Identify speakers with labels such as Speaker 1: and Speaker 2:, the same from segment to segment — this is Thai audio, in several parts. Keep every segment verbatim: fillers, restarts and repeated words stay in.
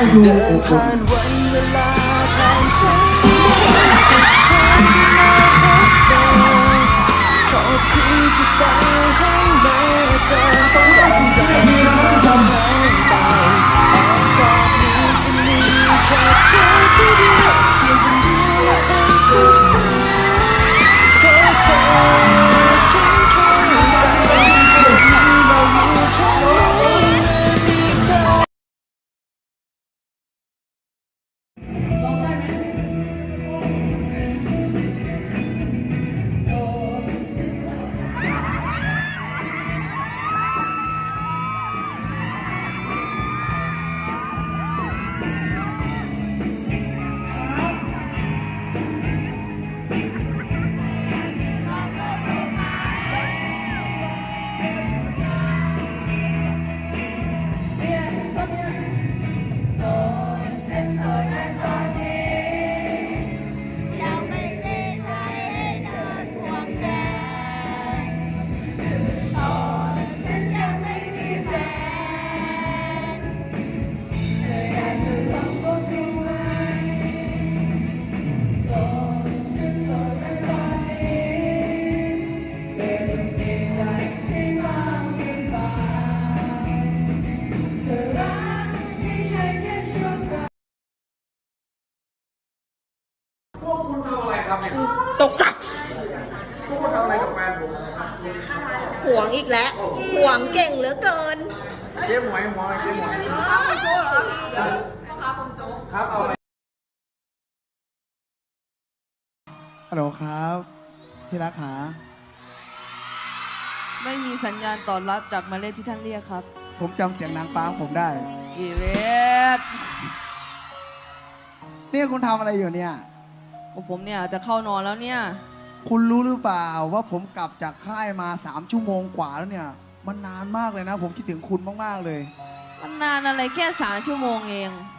Speaker 1: ดูอบอุ่น
Speaker 2: ขอบคุณที่ฟ้าให้มาเจอต้องรักใจที่ทำให้ตายตอนนี้จะมีแค่เธอผู้เดียวเพียงคนเดียวและเป็นสุดท้ายเพราะเธอฉันเข้าใจที่เราอยู่แค่มีเธอ
Speaker 3: ตกจับ
Speaker 1: พวกคุณทำอะไรกับแฟนผม
Speaker 3: ห่วงอีกแล้วห่วงเก่งเหลือเกิน
Speaker 1: เจ๊หมวยหัวอะไรเจ๊หมวยครับเอาอะไรฮัลโหลครับที่รักหา
Speaker 4: ไม่มีสัญญาณตอบรับจากหมายเลขที่ท่านเรียกครับ
Speaker 1: ผมจำเสียงนางฟ้าของผมได้
Speaker 4: อีเวท
Speaker 1: เนี่ยคุณทำอะไรอยู่เนี่ย
Speaker 4: ผมเนี่ยจะเข้านอนแล้วเนี่ย
Speaker 1: คุณรู้หรือเปล่าว่าผมกลับจากค่ายมาสามชั่วโมงกว่าแล้วเนี่ยมันนานมากเลยนะ ผมคิดถึงคุณมากๆเลย
Speaker 4: มันนานอะไรแค่สามชั่วโมงเอง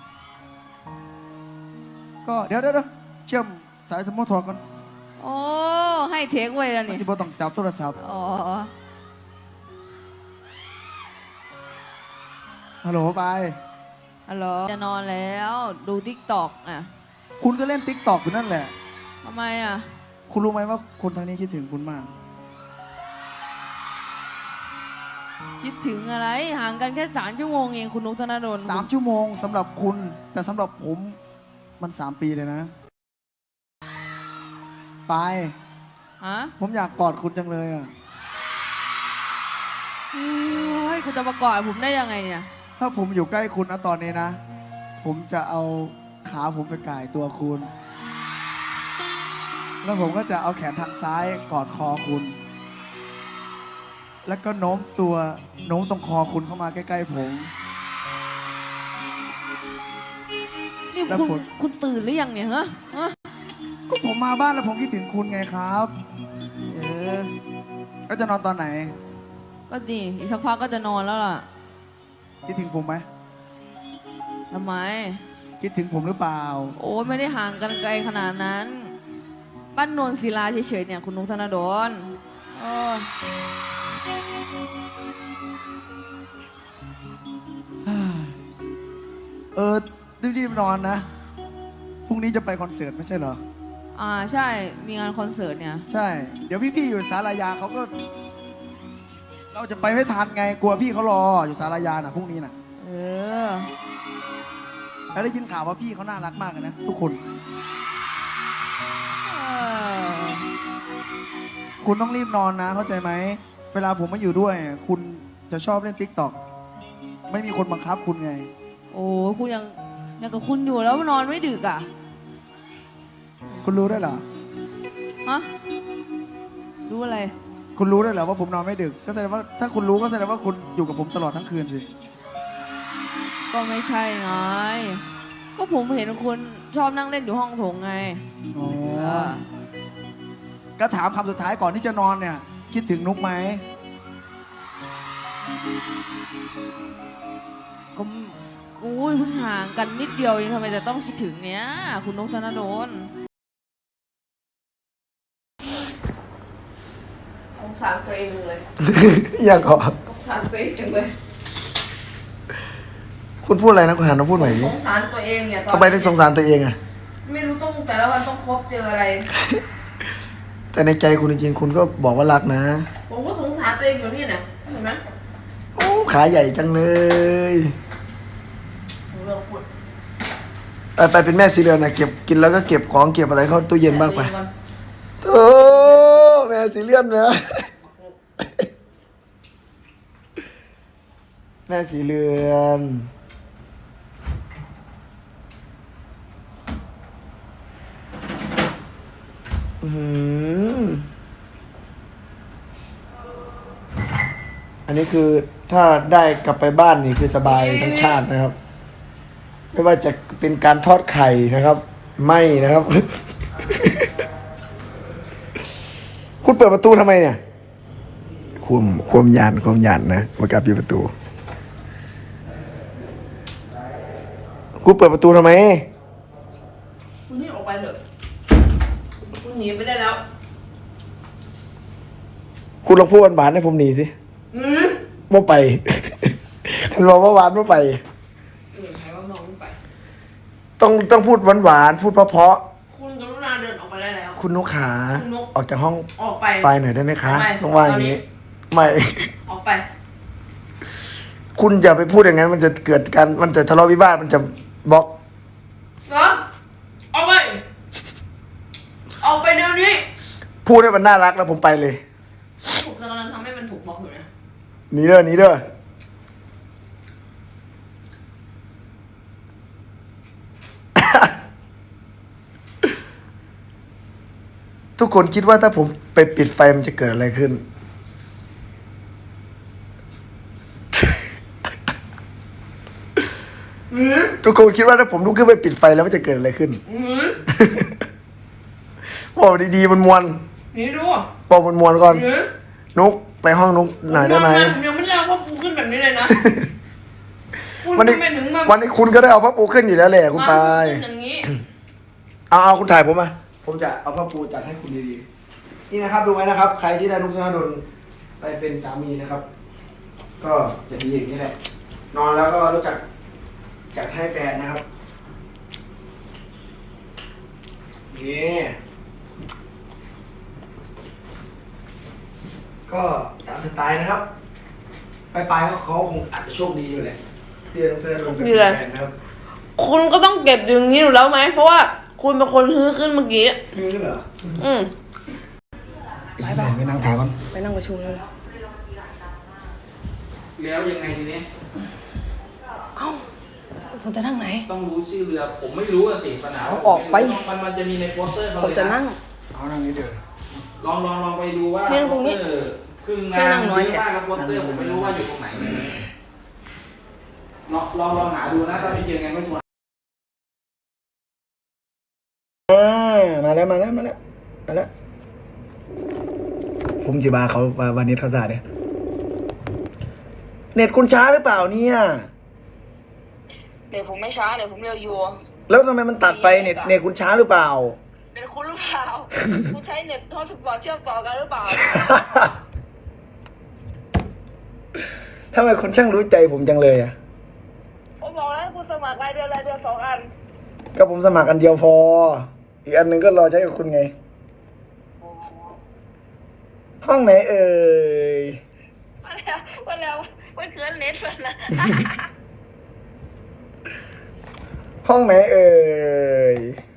Speaker 1: ก็เดี๋ยวเดี๋ยวเชื่อมสายสมอทอก่อน
Speaker 4: โอ้ให้เทคไว้แล้วนี่
Speaker 1: ที่บอต้องจับโทรศัพท์
Speaker 4: อ๋อ
Speaker 1: ฮัลโหลไป
Speaker 4: ฮัลโหลจะนอนแล้วดูทิกตอกอ่ะ
Speaker 1: คุณก็เล่นติ๊กตอกอยู่นั่นแหละ
Speaker 4: ทำไมอ่ะ
Speaker 1: คุณรู้ไหมว่าคนทางนี้คิดถึงคุณมาก
Speaker 4: คิดถึงอะไรห่างกันแค่สามชั่วโมงเองคุณนุกธนดล
Speaker 1: สามชั่วโมงสำหรับคุณ แต่สำหรับผมมันสามปีเลยนะ ไป
Speaker 4: ฮะ
Speaker 1: ผมอยากกอดคุณจังเลยอ่ะ
Speaker 4: เฮ้ยคุณจะมากอดผมได้ยังไงเนี่ย
Speaker 1: ถ้าผมอยู่ใกล้คุณนะตอนนี้นะ ผมจะเอาขาผมไปก่ายตัวคุณ แล้วผมก็จะเอาแขนทางซ้ายกอดคอคุณ แล้วก็โน้มตัวโน้มตรงคอคุณเข้ามาใกล้ๆผม
Speaker 4: นี่
Speaker 1: แล้ว
Speaker 4: คุณ
Speaker 1: คุณ
Speaker 4: คุณตื่นหรือยังเนี่ยฮะฮะ
Speaker 1: ก็ผมมาบ้านแล้วผมคิดถึงคุณไงครับ
Speaker 4: เออ
Speaker 1: ก็จะนอนตอนไหน
Speaker 4: ก็ดีอีกสักพักก็จะนอนแล้วล่ะ
Speaker 1: คิดถึงผมไหม
Speaker 4: ทำไม
Speaker 1: คิดถึงผมหรือเปล่า
Speaker 4: โอ้ยไม่ได้ห่างกันไกลขนาดนั้น บ้านโนนศิลาเฉยๆเนี่ยคุณนุกธนดลโอ้ย
Speaker 1: เออรีบๆนอนนะ พรุ่งนี้จะไปคอนเสิร์ตไม่ใช่เหรอ
Speaker 4: อ่าใช่มีงานคอนเสิร์ตเนี่ย
Speaker 1: ใช่ เดี๋ยวพี่ๆอยู่สารยาเขาก็ เราจะไปไม่ทันไง กลัวพี่เขารออยู่สารยาน่ะพรุ่งนี้น่ะ
Speaker 4: เออ
Speaker 1: แล้วได้ยินข่าวว่าพี่เขาน่ารักมากเลยนะทุกคน
Speaker 4: เออ
Speaker 1: คุณต้องรีบนอนนะ เข้าใจไหม เวลาผมมาอยู่ด้วย คุณจะชอบเล่นติ๊กต็อกไม่มีคนบังคับคุณไง
Speaker 4: โอ้คุณยังยังกับคุณอยู่แล้วนอนไม่ดึกอ่ะ
Speaker 1: คุณรู้ได้วยเหรอ
Speaker 4: ฮะรู้อะไร
Speaker 1: คุณรู้ได้วยเหรอว่าผมนอนไม่ดึก ก็แสดงว่าถ้าคุณรู้ก็แสดงว่าคุณอยู่กับผมตลอดทั้งคืนสิ
Speaker 4: ก็ไม่ใช่ไง ก็ผมเห็นคุณชอบนั่งเล่นอยู่ห้องโถงไง
Speaker 1: อ๋อ
Speaker 4: เออ
Speaker 1: ก็ถามคำสุดท้ายก่อนที่จะนอนเนี่ย คิดถึงนุกไหม
Speaker 4: ก็อุ้ยเพิ่งห่างกันนิดเดียวเองทำไมจะต้องคิดถึงเนี้ยคุณนุกธนดลสงสารตัวเองเลย
Speaker 1: อยากขอ
Speaker 4: สงสารตัวเองจังเลย
Speaker 1: ค
Speaker 2: คุณพูดอะไรนะคุณหันมาพูดใหม่
Speaker 4: ส
Speaker 2: ดิ
Speaker 4: งสารตัวเองเนี่ยตอน
Speaker 2: ทำไมถึงสงสารตัวเองอะ
Speaker 4: ไม่รู้ต้องแต่ละวันต้องพบเจออะไร
Speaker 2: แต่ในใจคุณจริงๆคุณก็บอกว่ารักนะ
Speaker 4: ผมก็สงสารตัวเองอยู่นี่นะเห็นไหม
Speaker 2: โอ้ขาใหญ่จังเลย
Speaker 4: ผมเลิกพูด
Speaker 2: ไปไปเป็นแม่สีเรือนนะเก็บกินแล้วก็เก็บของเก็บอะไรเข้าตู้เย็นบ้างไป
Speaker 4: ก่อน
Speaker 2: โอ้แม่สีเรือนนะแม่สีเรือนอืมอันนี้คือถ้าได้กลับไปบ้านนี่คือสบายทั้งชาตินะครับ ไม่ว่าจะเป็นการทอดไข่นะครับ ไม่นะครับ คุณเปิดประตูทำไมเนี่ยควมควมยานควมยานนะมากลับอยู่ประตู คุณเปิดประตูทำไม
Speaker 4: คุณนี่ออกไปเถอะคุณหนีไปได้แล้ว
Speaker 2: คุณลองพูดหวานๆให้ผมหนีสิ
Speaker 4: อืม
Speaker 2: ว่าไป คุณบอกว่าหวานว่าไป
Speaker 4: เออใครว่าน้องไม่ไป
Speaker 2: ต้องต้องพูดหวานๆพูดเพราะ
Speaker 4: คุณกรุณาเดินออกไปได้แล้ว
Speaker 2: ๆคุณนุกขา
Speaker 4: คุณนุก
Speaker 2: ออกจากห้อง
Speaker 4: ออกไป
Speaker 2: ไปหน่อยได้ไหมคะ
Speaker 4: ไม่
Speaker 2: ต้องว่าอย่างนี้ ไม่
Speaker 4: ออกไป
Speaker 2: คุณอย่าไปพูดอย่างนั้น มันจะเกิดการมันจะทะเลาะวิวาทมันจะบล็อก
Speaker 4: เหรอออกไป ออกไปเดี๋ยวนี้
Speaker 2: พูดให้มันน่ารักแล้วผมไปเลย
Speaker 4: ผมกำลังทำให้มันถูกบล็อกอยู่นะ
Speaker 2: หนีเด้อหนีเด้อ ทุกคนคิดว่าถ้าผมไปปิดไฟมันจะเกิดอะไรขึ้น
Speaker 4: อืม
Speaker 2: ทุกคนคิดว่าถ้าผมลุกขึ้นไปปิดไฟแล้วมันจะเกิดอะไรขึ้น
Speaker 4: อืม
Speaker 2: บอกดีๆมันมวน
Speaker 4: นี่ดู
Speaker 2: บอกมันมวนก่อน
Speaker 4: อืม
Speaker 2: นุกไปห้องนุกหน่อยได้ไหม
Speaker 4: ยังไม่ได้เอาพ่อปูขึ้นแบบนี้เลยนะ คุณ
Speaker 2: วันนี้
Speaker 4: ทำไมถึงมา
Speaker 2: วันนี้คุณก็ได้เอาพระปูขึ้นอยู่แล้วแหละคุณ
Speaker 4: มา
Speaker 2: ปาย
Speaker 4: ขึ้นอย่างนี้
Speaker 2: เอาเอาคุณถ่ายผมมา ผมจะเอาพระปูจัดให้คุณดีๆ นี่นะครับดูไว้นะครับ ใครที่ได้นุกธนดลไปเป็นสามีนะครับ ก็จะดีอย่างนี้แหละ นอนแล้วก็รู้จักจัดให้แฟนนะครับ นี่ ก็ตามสไตล์นะครับ ไปลายๆเขาเขาคงอาจจะโชคดีอยู่แหละที่ได้นุกธนดลเป็นแฟนนะครับ
Speaker 4: คุณก็ต้องเก็บอย่างนี้อยู่แล้วไหม เพราะว่าคุณเป็นคนฮื้อขึ้นเมื่อกี้
Speaker 2: คือเหรอ
Speaker 4: อืม
Speaker 2: ไปไปไปนั่งถ่ายก่อน
Speaker 4: ไปนั่งประชุมแล้วเหรอ
Speaker 5: แล้วยังไงทีนี้
Speaker 4: เอ้าผมจะนั่งไหน
Speaker 5: ต้องรู้ชื่อเรือ ผมไม่รู้อะสิปัญหา
Speaker 4: เอาออกไป
Speaker 5: มันมันจะมีในโปสเตอร์เขา
Speaker 4: ผ
Speaker 5: เล
Speaker 4: ม
Speaker 5: ย
Speaker 4: จะ
Speaker 5: นะ
Speaker 4: นั่ง
Speaker 2: เอานั่งนี้เดี๋ยว
Speaker 5: ลองลองลองไปดูว่า
Speaker 4: ให้นั่งตรงนี้
Speaker 5: โปสเตอร์ครึ่ง
Speaker 4: ให้
Speaker 5: งาน
Speaker 4: นั่งน้อย
Speaker 5: เย
Speaker 4: แถ
Speaker 5: อะ
Speaker 4: ว
Speaker 5: มากแล้วโปสเตอร์ผมไม่รู้ว่าอยู่ตรงไหนลองลองลองหาดูนะถ้าไม่เจอไงก็ชวน
Speaker 2: อ่ามาแล้วมาแล้วมาแล้วมาแล้ว ผมจิบาเขาวันนี้เขาสาดเนี่ยเน็ตคุณช้าหรือเปล่าเนี่ย
Speaker 6: เดี๋ยวผมไม่ช้าเดี๋ยวผมเร็วอยู่
Speaker 2: แล้วทำไมมันตัดไปเน็ตเน็ตคุณช้าหรือเปล่า
Speaker 6: เดี๋ยวคุณหรือเปล่า คุณใช้เน็ตทอสปอร์ตเชื่อมต่อกันหรือเปล่า
Speaker 2: ทำไมคนช่างรู้ใจผมจังเลยอ่ะ
Speaker 6: ผมบอกแล้วให้คุณสมัครรายเดือนรายเดือนสองอัน
Speaker 2: ก็ผมสมัครอันเดียวพอ อีกอันหนึ่งก็รอใช้กับคุณไง ห้องไหนเอ่ย
Speaker 6: มาแล้วมาแล้วมันคือเน็ตมันนะ
Speaker 2: ห้องไหนเอ่ย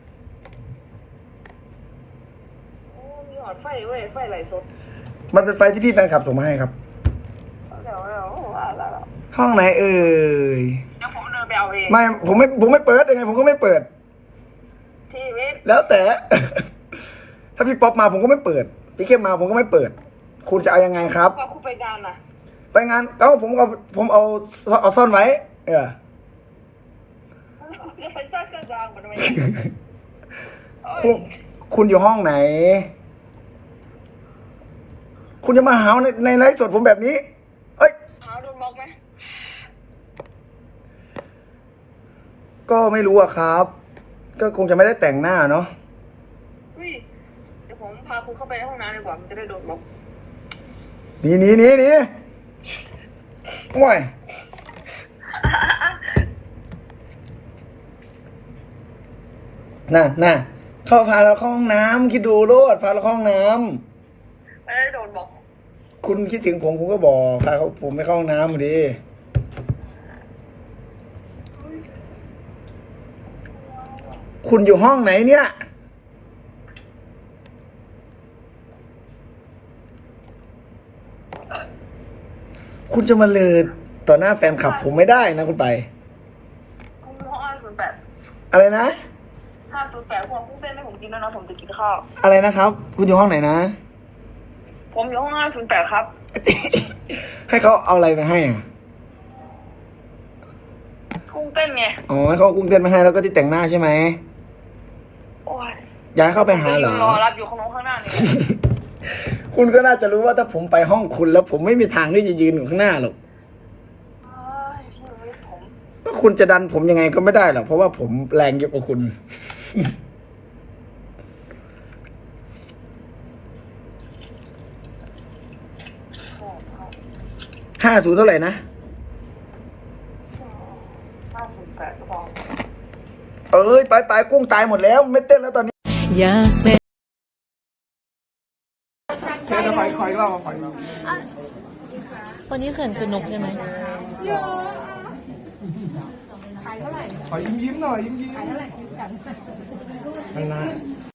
Speaker 6: โอ้มีหอดไฟเว้ยไฟไหลสด
Speaker 2: มันเป็นไฟที่พี่แฟนคลับส่งมาให้ครับ
Speaker 6: เดี๋ยวเดี๋ยวว่าแล้ว
Speaker 2: ห้องไหนเอ่ย
Speaker 6: เดี๋ยวผมเดินไปเอาเอง
Speaker 2: ไม่ผมไม่ผมไม่เปิดยังไงผมก็ไม่เปิด
Speaker 6: ชีวิต
Speaker 2: แล้วแต่ ถ้าพี่ป๊อปมาผมก็ไม่เปิด พี่เข้มมาผมก็ไม่เปิด คุณจะเอายังไงครับ
Speaker 6: ว่าคุณไปงานน่ะ
Speaker 2: ไปงานเอ้าผมเอาผมเอาเอาซ่อนไว้ เออ
Speaker 6: จะไปสร้างเครื่องรางมันทำไม
Speaker 2: คุณคุณอยู่ห้องไหน คุณจะมาหาในในไลฟ์สดผมแบบนี้ เอ้ย
Speaker 6: หาโดนบล็อกไหม
Speaker 2: ก็ไม่รู้อะครับ ก็คงจะไม่ได้แต่งหน้าเนาะ
Speaker 6: อุ้ยเดี๋ยวผมพาคุณเข้าไปในห้องน้ำดีกว่ามันจะได้โดนบล็อก
Speaker 2: หนีหนีหนีหนีโอ้ย
Speaker 1: น่ะน่ะเข้าพาเราเข้าห้องน้ำคิดดูโลดพาเราเข้าห้องน้ำ
Speaker 6: ไม่ได้โดนบอก
Speaker 1: คุณคิดถึงผมคุณก็บอกพาเขาผมไปเข้าห้องน้ำมาดิคุณอยู่ห้องไหนเนี่ยคุณจะมาเลือต่อหน้าแฟนคลับผมไม่ได้นะคุณไป
Speaker 6: คุณห้องห้าศูนย์แปด
Speaker 1: อะไรนะ
Speaker 6: ห้าศูนย์แปดพวกกุ้งเต้นให้ผมกินแล้วนะผมจะกินข้าว
Speaker 1: อะไรนะครับ คุณอยู่ห้องไหนนะ
Speaker 6: ผมอยู่ห้องห้าศูนย์แปดครับ
Speaker 1: ให้เขาเอาอะไรมาให้อ่ะ
Speaker 6: กุ้งเต้นไง
Speaker 1: อ๋อให้เขาเอากุ้งเต้นมาให้แล้วก็ที่แต่งหน้าใช่ไหม
Speaker 6: โอ้ย
Speaker 1: อยากให้เข้าไปหาเหรอ
Speaker 6: รอรับอยู่ข้างนอกข้างหน้านี่
Speaker 1: คุณก็น่าจะรู้ว่าถ้าผมไปห้องคุณแล้วผมไม่มีทางที่จะยืนอยู่ข้างหน้าหรอก
Speaker 6: เฮ้ยชีวิตผม
Speaker 1: ก็คุณจะดันผมยังไงก็ไม่ได้หรอกเพราะว่าผมแรงเยอะกว่าคุณ ห้าศูนย์เท่าไหร่นะ
Speaker 6: ห้าศูนย์แปดก็พอ
Speaker 1: เอ้ยไปไปกุ้งตายหมดแล้วไม่เต้นแล้วตอนนี้
Speaker 2: อยากเป็น
Speaker 1: เชิญคอยคอยเล่าคอยเล่า
Speaker 4: วันนี้เขินคือนกใช่ไหม
Speaker 1: ขอยิ้มยิ้มหน่อยยิ้มยิ้มไม่น่า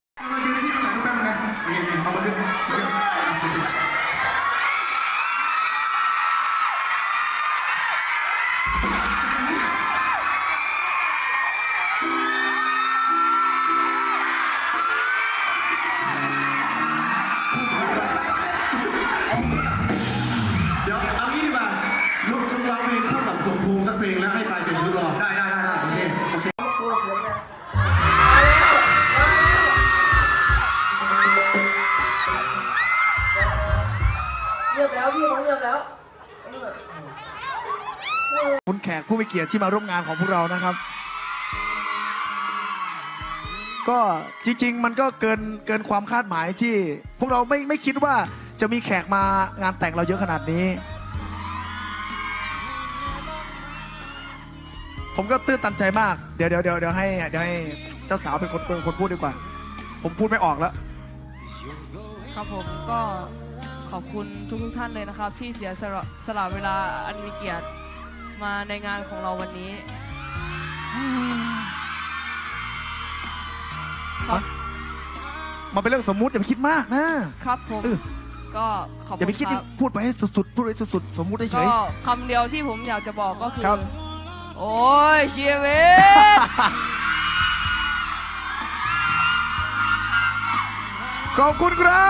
Speaker 7: เดี๋ยวเอางี้ดีกว่าลุกลุกร้องเพลงคู่กับสมภูมิสักเพลงแล้วให้ไปเป็นชุดรอได้ได้ได้ได้โอเคโอเค
Speaker 4: เงียบแล้วพี่เขาเงียบแล้ว
Speaker 1: คุณแขกผู้มีเกียรติที่มาร่วมงานของพวกเรานะครับ ก็จริงๆ มันก็เกินเกินความคาดหมายที่ พวกเราไม่ไม่คิดว่าจะมีแขกมางานแต่งเราเยอะขนาดนี้ ผมก็ตื้นตันใจมาก เดี๋ยวเดี๋ยวเดี๋ยวเดี๋ยวให้เดี๋ยวให้เจ้าสาวเป็นคนเป็นคนพูดดีกว่า ผมพูดไม่ออกแล้ว
Speaker 4: ครับผมก็ขอบคุณทุกทุกๆท่านเลยนะครับ ที่เสียสละสละเวลาอันมีเกียรติมาในงานของเราวันนี้ครับ
Speaker 1: มันเป็นเรื่องสมมุติอย่าไปคิดมากนะครับ
Speaker 4: ผม
Speaker 1: เออ
Speaker 4: ก็ขอบ
Speaker 1: อย่า
Speaker 4: คุ
Speaker 1: ไป
Speaker 4: ณ
Speaker 1: คิด
Speaker 4: ครับ
Speaker 1: พูดไปให้สุดๆพูดไปสุดๆสมมุติเฉ
Speaker 4: ก็
Speaker 1: ย
Speaker 4: คำเดียวที่ผมอยากจะบอกก็คือ
Speaker 1: ครับ
Speaker 4: โอ้ยชีวิต
Speaker 1: ขอบคุณครับ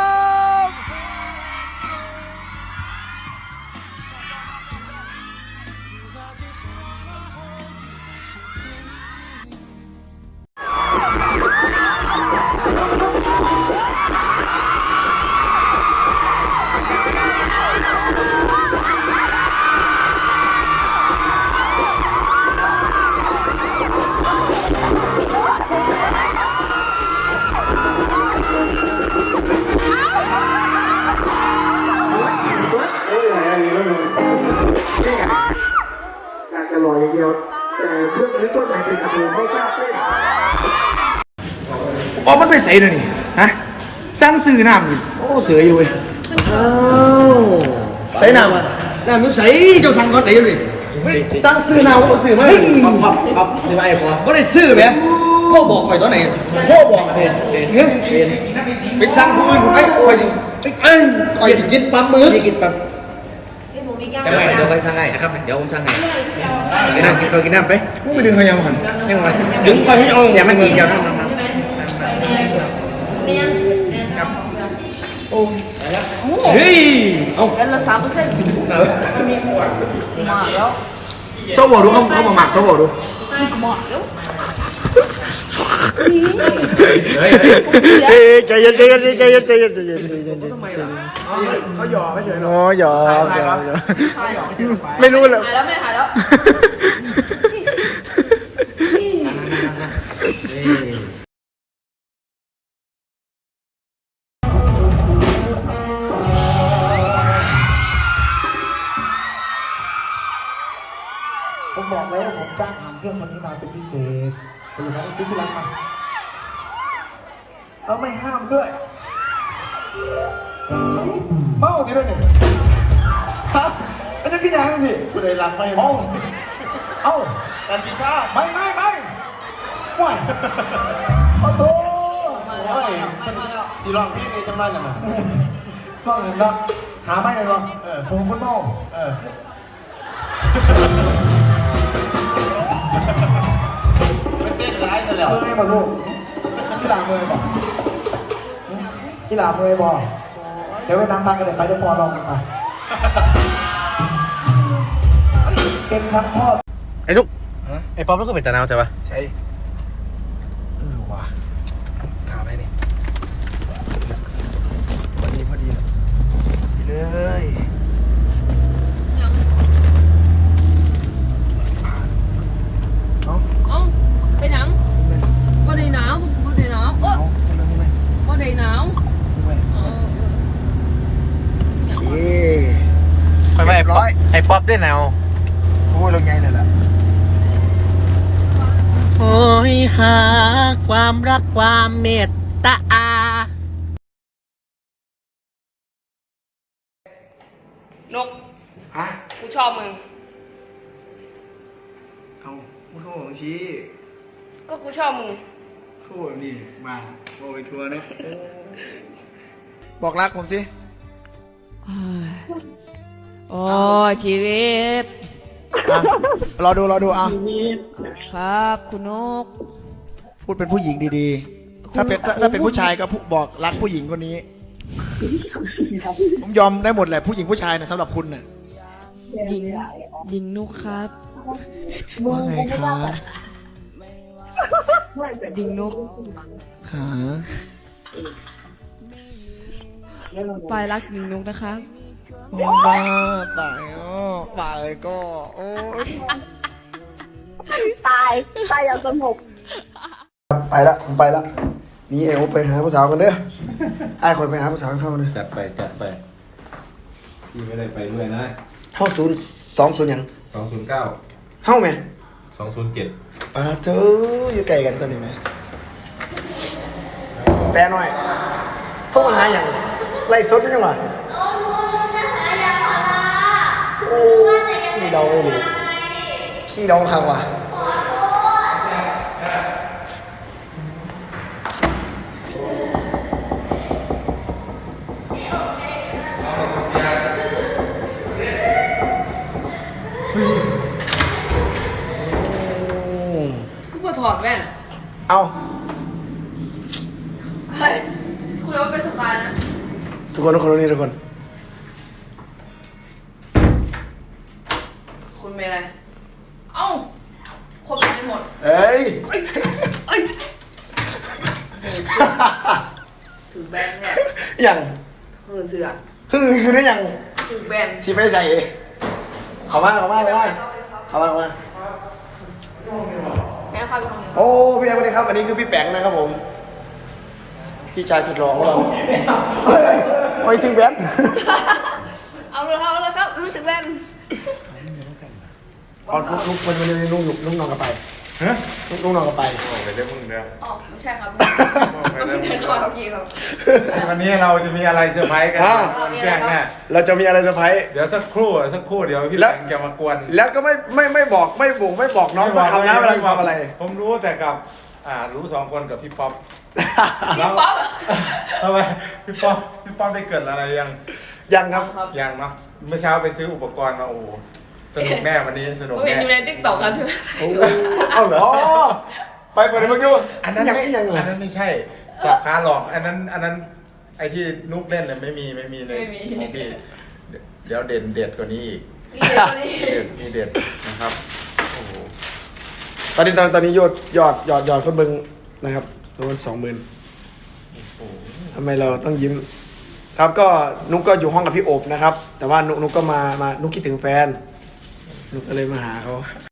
Speaker 1: อยากจะลอยอย่างเดียว แต่เพื่อนนี้ต้นไหนเป็นกระดูกไม่กล้าเต้นอ๋อมันไปใส่เลยนี่ ฮะ สร้างสื่อน้ำนี่โอ้ เสืออยู่เว้ยอ้าวใส่น้ำอ่ะน้ำมันใส่เจ้าสั่งก่อนไหนอยู่นี่สร้างสื่อน้ำว่าสื่อไหมปั๊บปั๊บปั๊บนี่มาไอ้พอก็ได้ซื้อไหมพ่อบอกข่อยตอนไหนพ่อบอกเองเฮ้ยไปสั่งผู้อื่นไปข่อยเอ้ยข่อยจะกินปั๊มมือกินปั๊ม
Speaker 8: จะไม่เดี๋ยวไปสั่งให้นะครับเดี๋ยวผมสั่งให้กินน้ำกินข้าวกินน้ำไป
Speaker 1: กูไปดึงเขายังหัน
Speaker 8: ให้มาดึงคอยให้เอาอย่ามันกินเจ้าน้ำน้ำน้ำเฮ้ยเอา
Speaker 4: แล้วละสามเปอร์เซ็นต์มาแล้ว
Speaker 1: ชอบบอกดูเขาเขามาหมักชอบบอกดู
Speaker 4: มาแล้ว
Speaker 8: เฮ้ย
Speaker 1: เฮ้ยใจเย็นใจเย็นใจเย็นใจเย็นใจเย็นใจเย็นเขาหยอกไม่เฉยหรออ๋อหยอกไม่รู้เลย
Speaker 4: หายแล้วไม่หายแล้ว
Speaker 1: ผมบอกแล้วว่าผมจ้างหางเครื่องคนนี้มาเป็นพิเศษแต่อย่างนั้นซื้อที่ร้านมา
Speaker 7: เราไม่ห้ามด้วยเมาทีด้วยเนี่ยฮะไอ้เจ้ากินยาสิกูได้รับไม่เอ้าเอ้าการกินข้าวไม่ไม่ไม่ห่วยโอ้โหโอ้ยสีรองพี่นี่จำได้ยังไงก็เห็นแล้วหาไม่เลยหรอเออผมคนเมาเออไม่เต้นร้ายซะแล้วเมื่อยบ่ลูกที่หลังเมื่อยบ่ที่หลังเมื่อยบ่เดี๋ยวไปนั่งพักกันเดี๋ยวไปเดี๋ยวพอลองกันไปเก่งครับพ่อ
Speaker 8: ไอ้นุ๊กไอ้ป๊อปแล้วก็เป็นตาหนาวใช่ปะ
Speaker 7: ใช่เออว่ะขาไปนี่พอดีพอดีเลยเอา
Speaker 4: เอ้าเป็นหยังบ่ได้หนาวบ่ได้หนาวเออ
Speaker 7: เอาไปเลย
Speaker 4: บ่ได้หนาว
Speaker 7: ไปเลย
Speaker 4: เออเออ
Speaker 7: โอเค
Speaker 8: ไปไปไอ้ป๊อปไอ้ป๊อปได้หนาว
Speaker 7: โอ้ยเราไงเนี่ยแหละ
Speaker 8: โอ้ยหาความรักความเมตตา
Speaker 4: นก
Speaker 7: ฮะ
Speaker 4: กูชอบมึง
Speaker 7: เอามึงเข้าของชี้
Speaker 4: ก็กูชอบมึง
Speaker 7: เข้าแบบนี้มาโอ้ยทัวร์เนาะบอกรักผมสิ
Speaker 4: โอ้ชีวิต
Speaker 7: อ่ะรอดูรอดูอ่ะ
Speaker 4: ครับคุณนก
Speaker 7: พูดเป็นผู้หญิงดีๆ ถ้าเป็นถ้าถ้าเป็นผู้ชายก็พูดบอกรักผู้หญิงคนนี้ ผมยอมได้หมดแหละผู้หญิงผู้ชายนะสำหรับคุณน่ะ
Speaker 4: หญิงหญิงนุกครับ
Speaker 7: ว่าไงคะ
Speaker 4: หญิงนุก
Speaker 7: หา
Speaker 4: ปลายรักหญิงนุกนะครับ
Speaker 7: โอ้บ้าตายอ๋อตายก็โอ้ย
Speaker 6: ตายตายอย่างสงบ
Speaker 7: ไปละผมไปละนี่เอวไปหาผู้สาวกันเด้อไอ้คนไปหาผู้สาวเข้ามาเด้อ
Speaker 9: จัดไปจัดไปพี่ไม่ได้ไปด้วยนะ
Speaker 7: เข้าศูนย์สองศูนย์ยัง
Speaker 9: สองศูนย์เก้า
Speaker 7: เข้าไหม
Speaker 9: สองศูนย์เจ็ด
Speaker 7: อ่าเธออยู่ไกลกันตัวนี้ไหมแต่หน่อยโทรมาหาอย่างไล่สดใช่ไหมขี้เดาเลยดิขี้เดาครับว่ะ
Speaker 4: คุณมาถอดแว่น
Speaker 7: เอา
Speaker 4: เฮ้ย คุณเอาไปเป็นสไตล์นะ
Speaker 7: ทุกคนทุกคนนี่ทุกคน
Speaker 4: คุณเป็นอะไร เอ้าคนเป็นไปหมด
Speaker 7: เอ้ย
Speaker 4: ถือแบนเนี่ย
Speaker 7: อย่าง
Speaker 4: หืนเสือ
Speaker 7: ฮึ่งคือได้อย่าง
Speaker 4: ถือแบน
Speaker 7: ชีไปใส่เข้ามาเข้ามาเข้ามาเข้ามาเข้ามา
Speaker 4: แม่เข้าไปห้องนี้
Speaker 7: โอ้พี่แอนสวัสดีครับอันนี้คือพี่แปงนะครับผมพี่ชายสุดหล่อของเราเฮ้ยไปถึงแบน
Speaker 4: เอาเลยครับเอาเลยครับไม่ถือแบน
Speaker 7: อ๋อลุกลุกวันวันนี้ลุกลุกลุกนอนกันไปฮะลุกลุกนอนกันไป
Speaker 9: ไปได้มึงเดียว
Speaker 4: อ๋อไม่ใช่ครับไม่ได้เข้าโอเคครับ
Speaker 9: วันนี้เราจะมีอะไรเซอร์ไพรส์กัน
Speaker 7: อ่า
Speaker 9: แจ้งแน่
Speaker 7: เราจะมีอะไรเซอร์ไพรส์
Speaker 9: เดี๋ยวสักครู่สักครู่เดี๋ยวพี่
Speaker 7: แล้
Speaker 9: แบ
Speaker 7: ว
Speaker 9: งค์จะมากวน
Speaker 7: แล้วก็ไม่ไม่ไม่บอกไม่บ่งไม่บอกน้องต้องทำนะเวลาจะทำอะไร
Speaker 9: ผมรู้แต่กับอ่ารู้สองคนกับพี่ป๊อป
Speaker 4: พี่ป๊อป
Speaker 9: ทำไมพี่ป๊อปพี่ป๊อปได้เกิดอะไรยัง
Speaker 7: ยังครับ
Speaker 9: ยังเนาะเมื่อเช้าไปซื้ออุปกรณ์มาโอ้โหสนุกแน่วันนี้สนุก
Speaker 4: ผมเห็น
Speaker 9: แน่
Speaker 4: อยู่ในติ๊กต็อกครับ
Speaker 7: โอ้เอาเหรอไปเปิดเมื่อกี้
Speaker 9: อันนั้น
Speaker 7: ยัง
Speaker 9: ไม่
Speaker 7: ไม่ยังเหร
Speaker 9: อั
Speaker 7: อน
Speaker 9: นั้นไม่ใช่สับขาหลอกอันนั้นอันนั้นไอที่นุกเล่นเลยไม่มีไม่มีเลย
Speaker 4: ไม่มี
Speaker 9: ของพี่เดี๋ยวเด่นเด็ดกว่านี้อีก
Speaker 4: นี่เด็กคนนี้
Speaker 9: เด็ดมีเด็ดนะครับโอ้โห
Speaker 7: ตอนนี้ตอนตอนนี้ยอดยอดยอดยอดคนเบิ่งนะครับประมาณสองหมื่นทำไมเราต้องยิ้ม ครับก็นุกก็อยู่ห้องกับพี่โอบนะครับ แต่ว่านุกนุกก็มามานุกคิดถึงแฟน นุกก็เลยมาหาเขา